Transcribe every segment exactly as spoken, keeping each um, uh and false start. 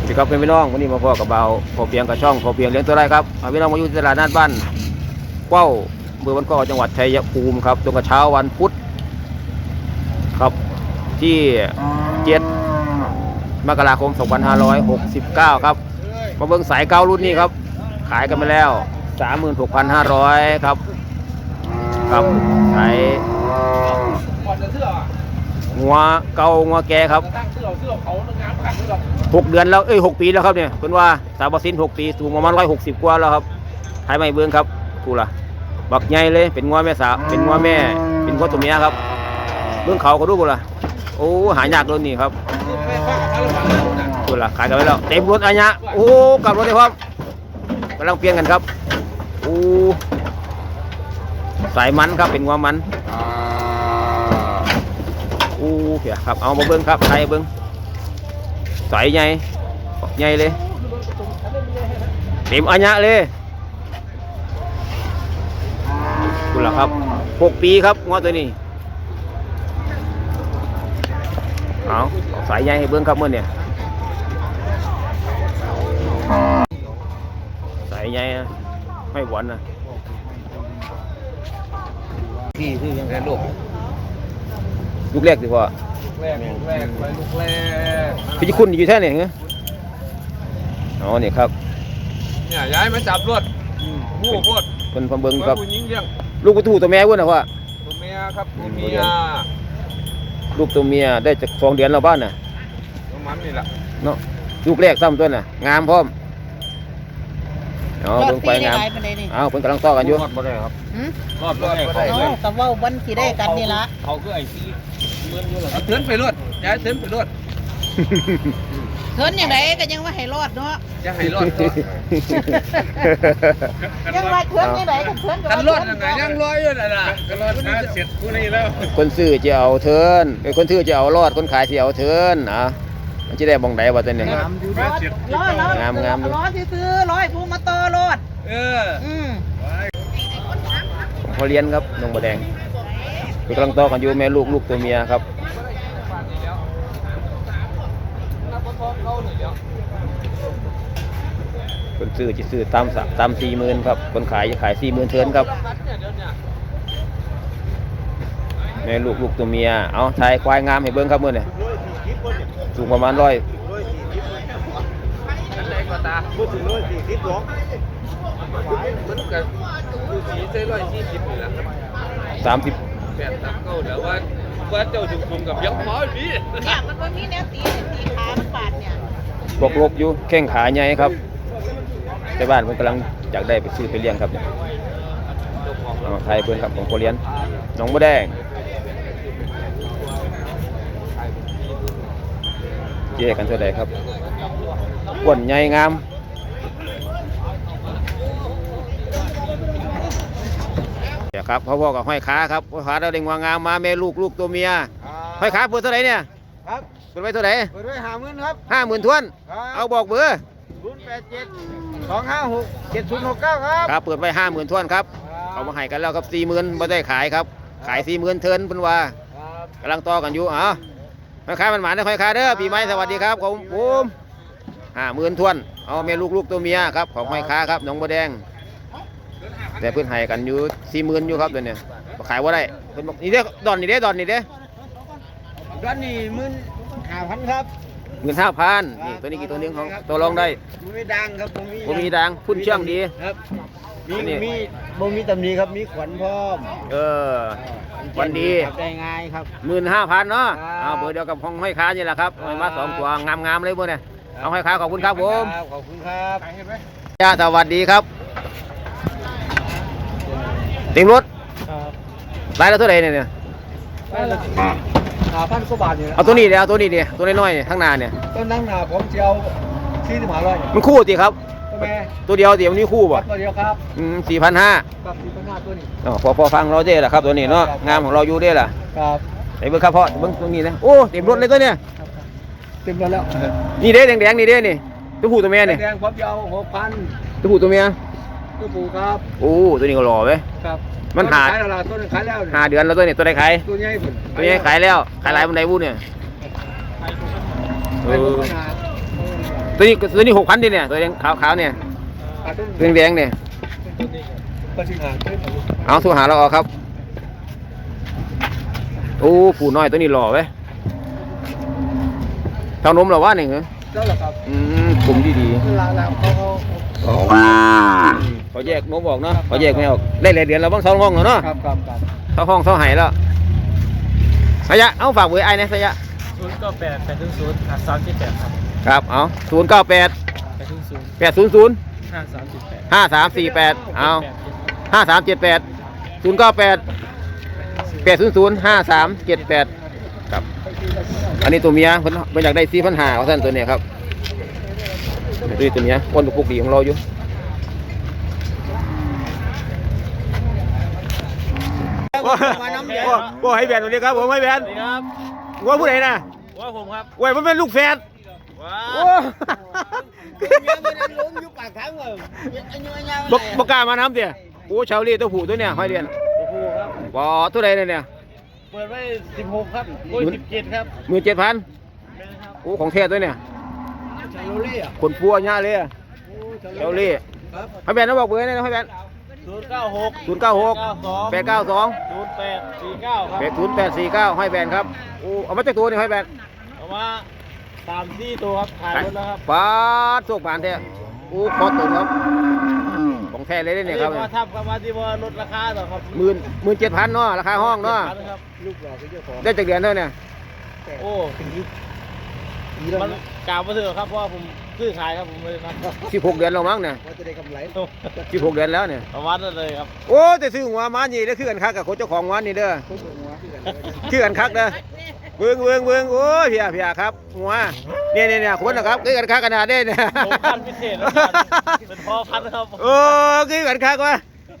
สวัสดีครับพี่น้องวันนี้มาพ่อกับเบาพอเพียงกับช่องพอเพียงเลี้ยงตัวไรครับพี่น้องมาอยู่ที่ตลาดนัดบ้านเก้าเมืองบ้านเก้าจังหวัดชัยภูมิครับตรงกับเช้าวันพุธครับที่เจ็ดมกราคมสองพันห้าร้อยหกสิบเก้าครับมาเบิ้งสายเก้ารุ่นนี้ครับขายกันไปแล้วสามหมื่นหกพันห้าร้อยครับครับสายงัวเก่างัวแก่ครับหกเดือนแล้วเอ้ยหกปีแล้วครับเนี่ยเป็นว่าสาวบสินหกปีสูงประมาณร้อยหกสิบกว่าแล้วครับไทยไม่เบื้องครับกูล่ะบักใหญ่เลยเป็นงัวแม่สาวเป็นงัวแม่เป็นงัวตัวเมียครับเบื้องเขาก็ดูกูล่ะโอ้หายากเลยนี่ครับกูล่ะขายกันไปแล้วเต็มรถอันยะโอ้กลับรถได้พร้อมกำลังเปลี่ยนกันครับโอ้สายมันครับเป็นงัวมันโอ้เหี้ยครับเอามาเบิ้งครับไทยเบิ้งสายใหญ่ใหญ่เลยเต็มอัญญะเลยคุณล่ะครับหกปีครับงอตัวนี้เอาสายใหญ่ให้เบิ้งครับเมื่อเนี่ยสายใหญ่ไม่หวานนะพี่คือยังไงลูกลูกแรกสิพ่อแรกลูกแรกไปลูกแรกพี่คุณอยู่แท่ไหนเงี้ยอ๋อนี่ครับเนี่ยย้ายมาจับรถผู้พูดเป็นพมเบิงครับลูกตัวตัวแม่เว้ยนะพ่อตัวเมียครับตัวเมียลูกตัวเมียได้จากสองเดือนเราบ้านน่ะประมาณนี้แหละเนาะลูกแรกซ้ำตัวน่ะงามพร้อมอ๋อเบิ่งไปงามอ้าวเพิ่นกำลังต่อกันอยู่รอดบ่ได้ครับรอดบ่ได้เขากับว่าวันที่ได้กันนี่ละเขาคือไอ้ซีเมือนอยู่หรอเตือนไปรถย้ายเตือนไปรถเทินอย่างไรก็ยังว่าให้รอดเนาะจะให้รอดก็ยังว่าเทินอย่างไรก็เทินกันรอดยังไงยังรออยู่น่ะนะกันรอดน่าเสร็จผู้นี้แล้วคนซื้อจะเอาเทินไอ้คนซื้อจะเอารอดคนขายจะเอาเทินอ่ะมันจะได้บ่งใดว่าตัวนี้รอดรอดงามงามรอดซื้อร้อยผู้มาต่อรอดเอออืมเขาเลี้ยงครับน้องบัวแดงกำลังต่อกันอยู่แม่ลูกลูกตัวเมียครับคนซื้อจะซื้อตามสักตามสี่หมื่นครับคนขายจะขายสี่หมื่นเทินครับแม่ลูกลูกตัวเมียเอาชายควายงามให้เบิ้งครับเมื่อเนี่ยสูงประมาณร้อยพูดถึงร้อยสี่สิบหรอมันกับดูสีใช่ร้อยสี่สิบนี่แหละสามสิบแปดสามเก้าเดี๋ยวว่าว่าเจ้าถึงคุมกับยักษ์ม้าพี่เนี่ยมันว่ามีแนวตีตีขามันปาดเนี่ยบกลบอยู่แข้งขาใหญ่ครับแต่บ้านผมกำลังอยากได้ไปซื้อไปเลี้ยงครับเนี่ยไทยเบิ้งครับของโคเรียนน้องบัวแดงเจ๊กันเท่าไหร่ครับอ้วนใหญ่งามเดี๋ยวครับพ่อพ่อกับห้อยขาครับห้อยขาเราเด้งวางงามมาแม่ลูกลูกตัวเมียห้อยขาเปิดเท่าไหร่เนี่ยครับเปิดไว้เท่าไหร่เปิดไว้ห้าหมื่นครับห้าหมื่นทวนเอาบอกเบอร์ศูนย์แปดเจ็ดสองห้าหกเจ็ดศูนย์หกเก้าครับครับเปิดไว้ห้าหมื่นทวนครับเขามาให้กันแล้วครับสี่หมื่นไม่ได้ขายครับขายสี่หมื่นเทินเป็นว่ากำลังต่อกันอยู่อ๋อห้อยขามันหมาได้ห้อยขาเด้อปีใหม่สวัสดีครับผมผมห้าหมื่นทวนเอาแม่ลูกลูกตัวเมียครับของห้อยขาครับน้องบัวแดงแต่เพื่อนให้กันอยู่สี่หมื่นอยู่ครับตัวเนี้ยขายว่าได้เพื่อนบอกนี่เด้ดอนนี่เด้ดอนนี่เด้ดอนนี่หมื่นห้าพันครับหมื่นห้าพันนี่ตัวนี้กี่ตัวนึงของตัวรองได้มีดังครับผมมีดังพุ่นเชื่องดีครับมีมีบ่มีตำหนิครับมีขวัญพร้อมเออวันดีได้ง่ายครับหมื่นห้าพันเนาะเอาเบอร์เดียวกับห้องห้อยขานี่แหละครับมาสองตัวงามๆเลยเบอร์เนี่ยเอาห้อยขาขอบคุณครับผมขอบคุณครับจ้าสวัสดีครับเต็มรถรายละเท่าไหร่เนี่ยเนี่ยห้าพันกว่าบาทเนี่ยเอาตัวนี้เดี๋ยวเอาตัวนี้เดี๋ยวตัวน้อยๆข้างหน้าเนี่ยต้นนั่งหน้าผมเจียวสี่สิบห้าร้อยมันคู่สิครับตัวเดียวเดี๋ยวนี้คู่ป่ะตัวเดียวครับอืมสี่พันห้าครับสี่พันห้าตัวนี้อ๋อพอพอฟังเราได้แหละครับตัวนี้เนาะงามของเราอยู่ได้แหละครับไอ้เบิ้งครับพ่อเบิ้งตรงนี้นะโอ้เต็มรถเลยตัวเนี้ยเต็มรถแล้วนี่เด้แดงๆนี่เด้นี่ตัวผู้ตัวเมียนี่แดงผมเจียวหกพันตัวผู้ตัวเมียตัวผู้ครับโอ้ตัวนี้ก็หล่อไหมครับมันหาตัวนึงขายแล้วหาเดือนแล้วตัวนี้ตัวใดขายตัวใหญ่ตัวใหญ่ขายแล้วขายหลายบนใดบุญเนี่ยเออตัวนี้ตัวนี้หกพันดิเนี่ยตัวแดงขาวขาวเนี่ยตัวแดงเนี่ยก็ชิงหาได้ผมเอาโทรหาเราเอาครับโอ้ผู้น้อยตัวนี้หล่อเว้ยเท่านมเหรอวะนี่เหรอแล้วเหรอครับอืมกลุ่มดีดีลาลาเขาเขาเขาแยกนมออกเนาะเขาแยกไม่ออกได้หลายเดือนแล้วบ้างสองห้องแล้วเนาะครับครับครับเท่าห้องเท่าไหแล้วสยะเอาฝากเบอร์ไอ้นะสยะศูนย์เก้าแปดแปดถึงศูนย์ห้าสามเจ็ดแปดครับครับเอาศูนย์เก้าแปดแปดถึงศูนย์แปดศูนย์ศูนย์ห้าสามเจ็ดแปดห้าสามสี่แปดเอาห้าสามเจ็ดแปดศูนย์เก้าแปดแปดศูนย์ศูนย์ห้าสามเจ็ดแปดครับอันนี้ตัวเมียเพิ่นเพิ่นอยากได้สี่พันห้าเอาท่านตัวเนี้ยครับนี่ตัวเมียอ้วนปุกดีของเราอยู่ว่าให้แบนตัวนี้ครับผมให้แบนครับว่าผู้ใดนะว่าผมครับว่ามันเป็นลูกแฝดว้าโอ้บกบกล้ามาน้ำเดียโอ้ชาวลีตัวผู้ตัวเนี้ยห้อยเรียนผู้ครับบ่ตัวใดเนี่ยเปิดไว้สิบหกครับโอ้ยสิบเจ็ดครับหมื่นเจ็ดพันเป็นครับโอ้ของแท้ตัวเนี่ยชาโลลี่อ่ะคนปัวหน้าเลยอะชาวลีครับให้แบนนะบอกเบอร์นี่นะให้แบนศูนย์เก้าหกศูนย์เก้าหกเก้าสองแปดเก้าสองศูนย์แปดสี่เก้าครับแปดศูนย์แปดสี่เก้าให้แบนครับโอ้เอามาจากตัวนี่ให้แบนเอามาสามสี่ตัวครับขายหมดแล้วครับปาดโชคผ่านแท้โอ้คอตุนครับของแท้เลยเนี่ยครับมาทำกันมาที่ว่าลดราคาต่อครับหมื่นหมื่นเจ็ดพันเนาะราคาห้องเนาะครับลูกหล่อเป็นเจ้าของได้จากเดือนเท่าเนี่ยโอ้มันกล่าวมาเถอะครับเพราะว่าผมซื้อขายครับผมเลยครับสิบหกเดือนแล้วมั้งเนี่ยว่าจะได้กำไรสิบหกเดือนแล้วเนี่ยประมาณนั้นเลยครับโอ้แต่ซื้อหัวมานี่เด้อคือกันคักกับคนเจ้าของวันนี่เด้อคือกันคักเด้อเบิ่งเบิ่งเบิ่งโอ้ยเพียเพียครับหัวเนี่ยเนี่ยเนี่ยคนนะครับคือกันคักขนาดนี้เนี่ยผมพันพิเศษนะครับเป็นพ่อพันธุ์ครับโอ้คือกันคักวะ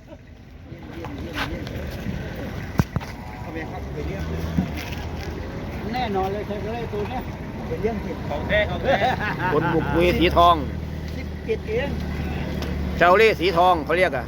แน่นอนเลยใช่ไหมตัวเนี้ยเป็นเรื่องผิดของแท้ของแท้คนบุกมุยสีทองสิบเจ็ดเองเชาเล่สีทองเขาเรียกอะ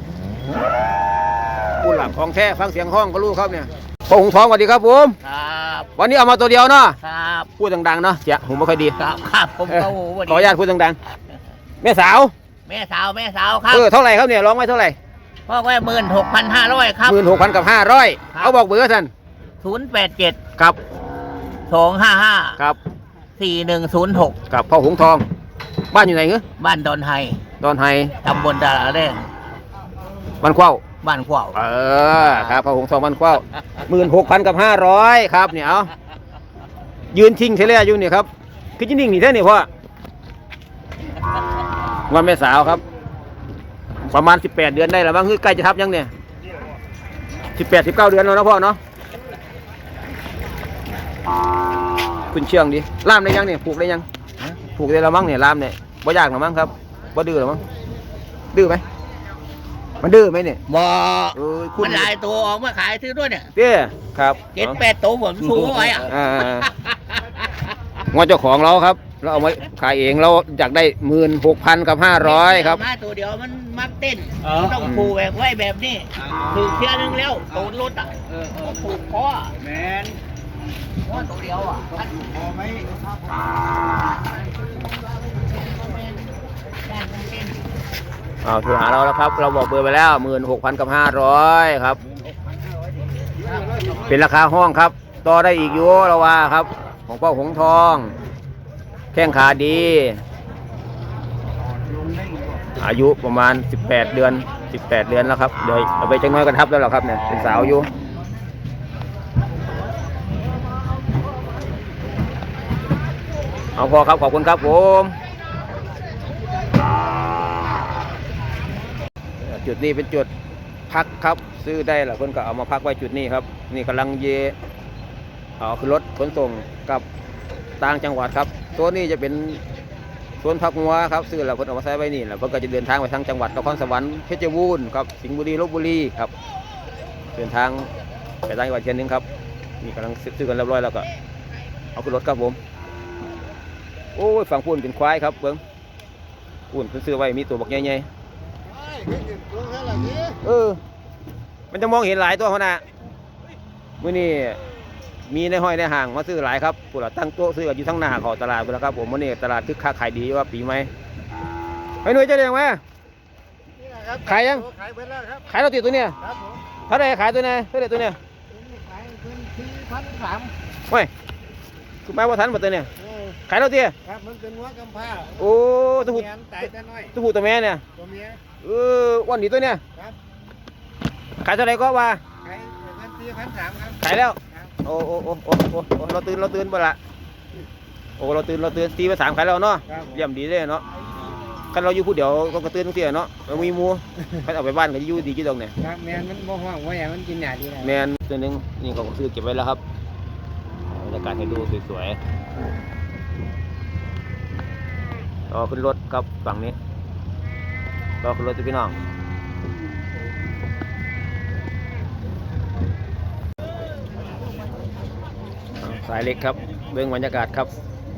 ผู้หลักของแท้ฟังเสียงห้องก็รู้ครับเนี่ยพ่อหงทองสวัสดีครับผมครับวันนี้เอามาตัวเดียวเนาะครับพูดดังๆเนาะเสียงผมไม่ค่อยดีครับครับผมก็โอ้โหขออนุญาตพูดดังๆแม่สาวแม่สาวแม่สาวครับเออเท่าไหร่ครับเนี่ยร้องไว้เท่าไหร่พ่อไว้หมื่นหกพันห้าร้อยครับหมื่นหกพันกับห้าร้อยเอาบอกเบอร์ท่านศูนย์แปดเจ็ดครับสองห้าห้าครับสี่หนึ่งศูนย์หกกับพ่อหงทอง บ้านอยู่ไหนเงี้ยบ้านดอนไฮดอนไฮตำบลดาราแดงบ้านเข้าบ้านขวาวเออครับพ่อหงทองบ้านเข้าหมื่นหกพันกับห้าร้อยครับเนี่ยเอายืนทิ้งเทเลอยู่เนี่ยครับคือจะนิ่งนี่แท้นี่พ่อวันแม่สาวครับ ประมาณสิบแปดเดือนได้แล้วมั้งคือใกล้จะทับยังเนี่ยสิบแปดสิบเก้าเดือนแล้วนะพ่อเนาะคุณเชื่องดิล่ามได้ยังเนี่ยผูกได้ยังผูกได้แล้วมั้งเนี่ยล่ามเนี่ยบ่ยากหรอมั้งครับบ่ดื้อหรอมั้งดื้อไหมมันดื้อไหมเนี่ยบ่เออคุณมันหลายตัวออกมาขายซื้อด้วยเนี่ยเด้ครับเจ็ดแปดตัวผมสู้ไว้อะอ่าๆงอเจ้าของเราครับเราเอาไว้ขายเองเราอยากได้หมื่นหกพันกับห้าร้อยครับมาตัวเดียวมันมักเต้นมันต้องผูกแบบไว้แบบนี้ผูกเที่ยนึงแล้วตูดรถอ่ะผูกคอแมนว่าตัวเดียวอ่ะพอไหมเอาโทรหาเราแล้วครับ เราบอกเบอร์ไปแล้วหมื่นหกพันกับห้าร้อยครับ เป็นราคาห้องครับ ต่อได้อีกอยู่เราว่าครับ ของพ่อหงทอง แข้งขาดี อายุประมาณสิบแปดเดือนสิบแปดเดือนแล้วครับเดี๋ยวเอาไปจังน้อยกันทับแล้วหรอครับเนี่ยเป็นสาวอยู่เอาพอครับขอบคุณครับผมจุดนี้เป็นจุดพักครับซื้อได้หรอเพื่อนก็เอามาพักไว้จุดนี้ครับนี่กำลังเยเอาขึ้นรถขนส่งกับต่างจังหวัดครับตัวนี้จะเป็นสวนพักงัวครับซื้อแล้วเพื่อนเอามาใช้ไว้นี่แล้วเพื่อนก็จะเดินทางไปทางจังหวัดนครสวรรค์เพชรบูรณ์ครับสิงห์บุรีลพบุรีครับเดินทางไปต่างจังหวัดเชียงนึงครับนี่กำลังซื้อกันเรียบร้อยแล้วก็เอาขึ้นรถครับผมโอ้ยฝั่งพูนเป็นควายครับเบิ้งพูนเพิ่นซื้อไว้มีตัวบักใหญ่ๆเออมันจะมองเห็นหลายตัวเขานะมื้อนี้มีในห้อยในห่างมาซื้อหลายครับผู้หลักตั้งโต๊ะซื้ออยู่ทั้งหน้าเขาตลาดไปแล้วครับผมวันนี้ตลาดคึกคักขายดีว่าปีไหมไอ้หนุ่ยจะเรียกไหมขายยังขายไปแล้วครับขายเราติดตัวเนี้ยครับผมเท่าไหรขายตัวไหนเท่าไหรตัวเนี้ยขายเป็นที่พันสามเฮ้ยคุณแม่ว่าทันหมดตัวเนี้ยขายเราติครับมันเป็นหัวกำพร้าโอ้ตัวผู้เมียนตายแต่น้อยตัวผู้ตัวแม่เนี่ยตัวเมียเออวันนี้ตัวเนี้ยครับขายเท่าไหรก็ว่าขายเป็นที่พันสามครับขายแล้วครับโอ้โอ้โอ้โอ้โอ้โอ้เราตื่นเราตื่นบ่ละโอ้เราตื่นเราตื่นตีไปสามขายแล้วเนาะครับเยี่ยมดีเลยเนาะคันเราอยู่ผู้เดียวก็กระตื่นทุกเที่ยเนาะเรามีหมูคันเอาไปบ้านก็อยู่ดีกี่ตรงเนี่ยครับแมนมันบ่ห้องว่าอย่างมันกินหยาดีนะแมนตัวหนึงนี่เขาก็ซื้อเก็บไว้แล้วครับบรรยากาศให้ดูสวยๆต่อขึ้นรถครับฝั่งนี้ต่อขึ้นรถจ้ะพี่น้องสายเล็กครับเบื้องบรรยากาศครับ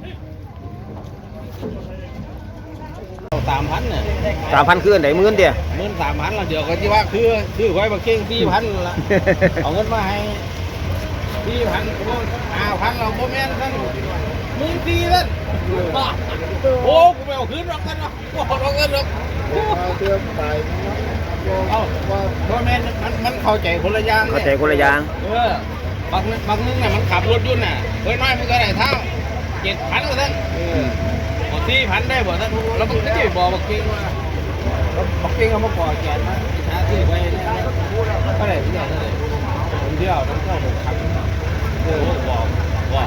สามพันเนี่ยสามพันคืนไหนหมื่นเดียวหมื่นสามพันละเดี๋ยวก็ที่ว่าคือคือไว้มาเก่งสี่พันละเอาเงินมาให้สี่พันห้าพันเราโมแมนท่านหมื่นสี่ท่านโอ้กูไม่เอาคืนหรอกกันหรอกกูเอาเงินหรอกเตือนตายเอาโมแมนมันมันเข้าใจคนละอย่างเข้าใจคนละอย่างเออบางบางนึงเนี่ยมันขับรถยุ่นน่ะเคยน้อยมันก็ได้เท่าเจ็ดพันก็ท่านบอกสี่พันได้บ่ท่านแล้วมันก็จะบอกบอกเก่งว่าบอกเก่งเขามาก่อแกนมาหาที่ไว้ก็ได้ที่ไหนเลยผมเที่ยวต้องเข้าผมขับเออบอกบอก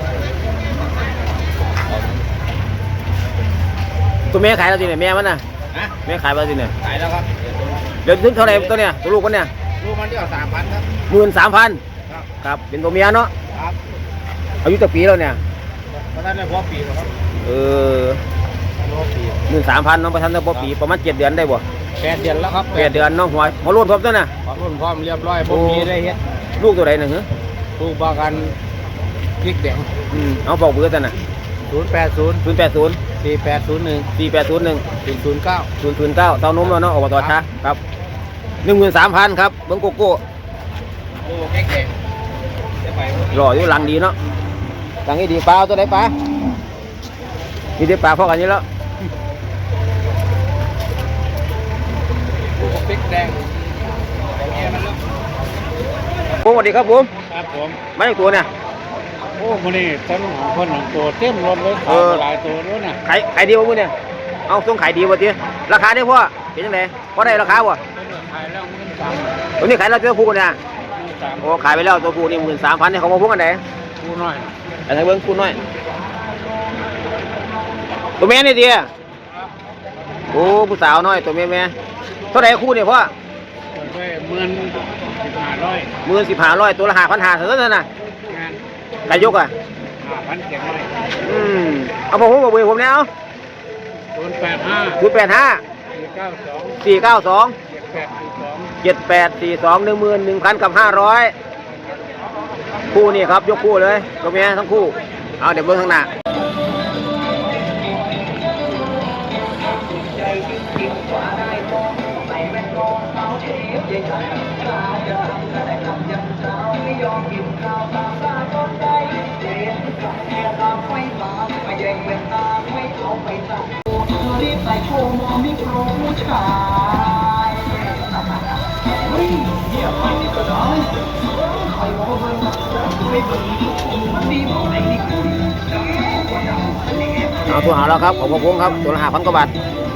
ตัวแม่ขายเราสิเนี่ยแม่มันน่ะนะแม่ขายเราสิเนี่ยขายแล้วครับเดี๋ยวถึงเท่าไหร่ตัวเนี้ยตัวลูกมันเนี่ยลูกมันเที่ยวสามพันครับหมื่นสามพันครับครับเป็นตัวเมียเนาะครับอายุตั้งปีแล้วเนี่ยเพราะนั้นได้พอปีแล้วครับเออพอปีหมื่นสามพันน้องประทันตั้งปีประมาณเจ็ดเดือนได้บ่แปดเดือนแล้วครับแปดเดือนน้องหัวหัวรุ่นพร้อมตัวน่ะพร้อมพร้อมเรียบร้อยผมมีได้เฮ็ดลูกตัวไหนหนึ่งเหรอลูกประกันพริกแดงอืมเอาบอกเบอร์ตัวน่ะศูนย์แปดศูนย์ศูนย์แปดศูนย์สี่แปดศูนย์หนึ่งสี่แปดศูนย์หนึ่งสี่ศูนย์เก้าศูนย์ศูนย์เก้าเต้านมแล้วเนาะอบตช้าครับหนึ่งหมื่นสามพันครับเบิ้งโกโก้โอ้แก่ๆจะไปหล่ออยู่หลังดีเนาะหลังนี้ดีปลาเอาตัวไหนปลามีแต่ปลาพอกันนี้แล้วลูกพริกแดงแก่มันแล้วผมสวัสดีครับผมครับผมไม่ใช่ตัวเนี่ยโอ้มันนี่ต้นของคนของตัวเต็มรถเลยเอขายอไปหลายตัวด้วยนะขายขายดีวะมึงเนี่ยเอาส่งขายดีวะทีราคาได้พ่อเป็นยังไงพอได้ราคาวะขายแล้วเงินสามตัวนี้ขายแล้วตัวผู้เนี่ยเงินสามโอ้ขายไปแล้วตัวผู้นี่หมื่นสามพันเนี่ยเขามาพุ่งกันไหนกูน้อยอันไหนเบิ้งคุณน้อยตัวแม่นี่ดีอะโอ้ผู้สาวน้อยตัวแม่แม่เท่าไหร่คู่เนี่ยพ่อไปเมื่อนสิบห้าร้อยหมื่นสิบห้าร้อยตัวละห้าพันห้าเท่านั้นนะงานใครยกอ่ะห้าพันเจ็ดร้อยอืมเอาผมผมบอกเบอร์ผมเนี่ยเอาศูนย์แปดห้าศูนย์แปดห้าสี่เก้าสองสี่เก้าสองเจ็ดแปดสี่สองเจ็ดแปดสี่สองหนึ่งหมื่นหนึ่งพันกับห้าร้อยคู่นี่ครับยกคู่เลยตัวเมียทั้งคู่เอาเดี๋ยวเบิ้งข้างหน้าเอาตัวหาแล้วครับของพงครับตัวละห้าพันกว่าบาท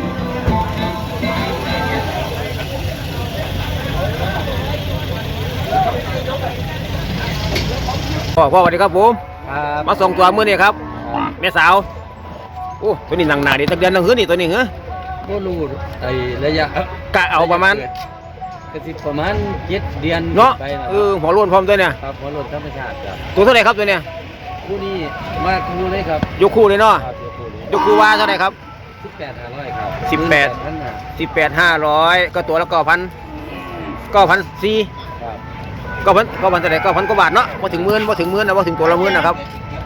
พ่อพ่อสวัสดีครับผมครับมาส่งตัวมือนี่ครับแม่สาวโอ้ตัวนี้หนังหนาดีตั้งเดือนตั้งหื้อนี่ตัวนี้เหรอโมลูไอ้ระยะกะเอาประมาณกระสิบประมาณเจ็ดเดือนเนาะไปนะเออหัวโล้นพร้อมตัวเนี่ยครับหัวรถธรรมชาติครับตัวเท่าไหร่ครับตัวเนี่ยคู่นี้มาคู่เลยครับยกคู่เลยเนาะครับเดี๋ยวคู่นี้ยกคู่ว่าเท่าไหร่ครับสิบแปดห้าร้อยครับสิบแปดพันห้าสิบแปดห้าร้อยก็ตัวละเก้าพันเก้าพันสี่ครับเก้าพันเก้าพันเท่าไหร่เก้าพันกว่าบาทเนาะพอถึงหมื่นพอถึงหมื่นนะพอถึงตัวละหมื่นนะครับ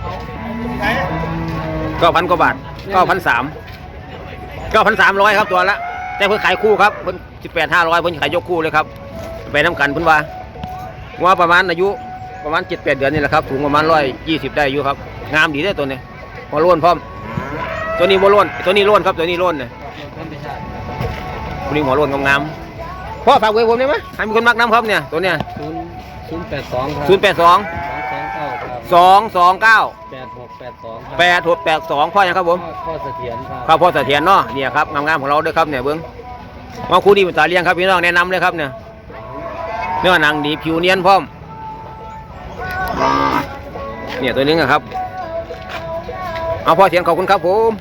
เก้าพันกว่าบาทเก้าพันสามเก้าพันสามร้อยครับตัวละแต่เพิ่นขายคู่ครับเพิ่นสิบแปดห้าร้อยเพิ่นขายยกคู่เลยครับไปน้ำกันเพิ่นว่าว่าประมาณอายุประมาณเจ็ดแปดเดือนนี่แหละครับถุงประมาณร้อยยี่สิบได้อยู่ครับงามดีได้อตัวนี้หัวโล้นพร้อมตัวนี้หัวโล้นตัวนี้โล้นครับตัวนี้โล้นเนี่ยตัวนี้หัวโล้นงามๆพ่อฝากไว้ผมได้ไหมให้มีคนมักน้ำครับเนี่ยตัวเนี้ยศูนย์ศูนย์แปดสองครับศูนย์แปดสองสองสองเก้าครับสองสองเก้าแปดหกแปดสองครับแปดหกแปดสองพ่อยังครับผมข้อเสถียรครับครับพ่อเสถียรเนาะเนี่ยครับงามๆของเราด้วยครับเนี่ยเบิ้งมาคู่ดีเป็นตาเลี้ยงครับพี่น้องแนะนำเลยครับเนี่ยเนื้อหนังดีผิวเนียนพร้อมเนี่ยตัวนึงอะครับเอาพ่อเถียนขอบคุณครับผม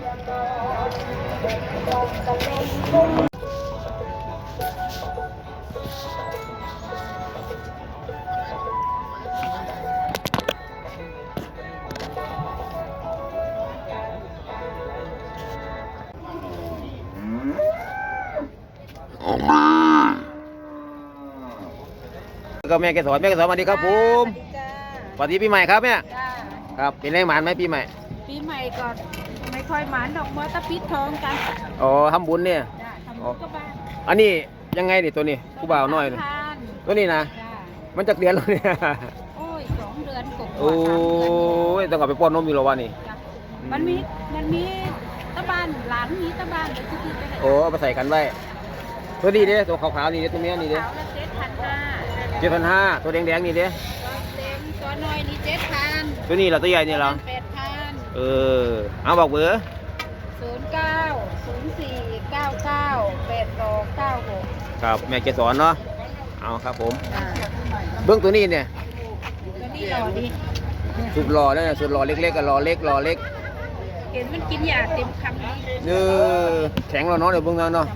ก็แม่แกสอนแม่แกสอนสวัสดีครับผมสวัสดีปีใหม่ครับแม่จ้าครับเป็นแรงหมานไหมปีใหม่ปีใหม่ก่อนไม่ค่อยหมานดอกเมื่อตะปิดทองกันอ๋อทำบุญเนี่ยจ้าทำบุญก็บ้านอันนี้ยังไงดิตัวนี้ผู้บ่าวน้อยเลยทานตัวนี้นะจ้ามันจะเดือนแล้วเนี่ยโอ้ยสองเดือนกว่าๆโอ้สามเดือนยต้องกลับไปป้อนนมอยู่แล้ววะนี่จ้ะมันมีมันมีตะบ้านหลานมีตะบ้านเดี๋ยวที่ไปให้โอ้เอาไปใส่กันไว้ตัวนี้เด้ตัวขาวๆนี่เด้ตัวเนี้ยนี่เด้ขาวละเจ็ดพันห้าเจ็ดพันห้าตัวแดงๆนี่เด้ตัวเต็มตัวน้อยนี่เจ็ดพันตัวนี้เหราตัวใหญ่นี่เหราแปดพันเออเอาบอกเบอร์ศูนย์เก้าศูนย์สี่เก้าเก้าแปดสองเก้าหกครับแม่เกสรเนาะเอาครับผมจ้าเบื้องตัวนี้เนี่ยตัวนี้หล่อดีสุดหล่อเนี่ยสุดหล่อเล็กๆกับหล่อเล็กหล่อเล็กเห็นมันกินยาเต็มคำนี้เออแข็งเราเนาะเดี๋ยวเบื้องนั้นเนาะ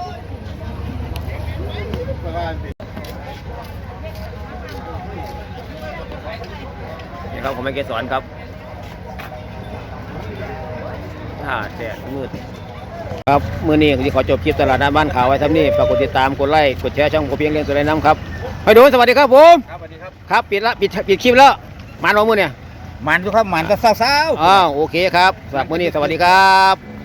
นี่ครับของแม่เกสรครับถ้าแดดมืดครับมื้อนี้ที่ขอจบคลิปตลาดน้ำบ้านขาวไว้ทำนี่ฝากกดติดตามกดไลค์กดแชร์ช่องโคเพียงเลี้ยงตัวไรน้ำครับไปดูสวัสดีครับผมครับสวัสดีครับครับปิดละปิดปิดคลิปแล้วมาหนอมือเนี่ยหมันทุกครับหมันก็เศร้าๆอ้าวโอเคครับสำหรับมื้อนี้สวัสดีครับ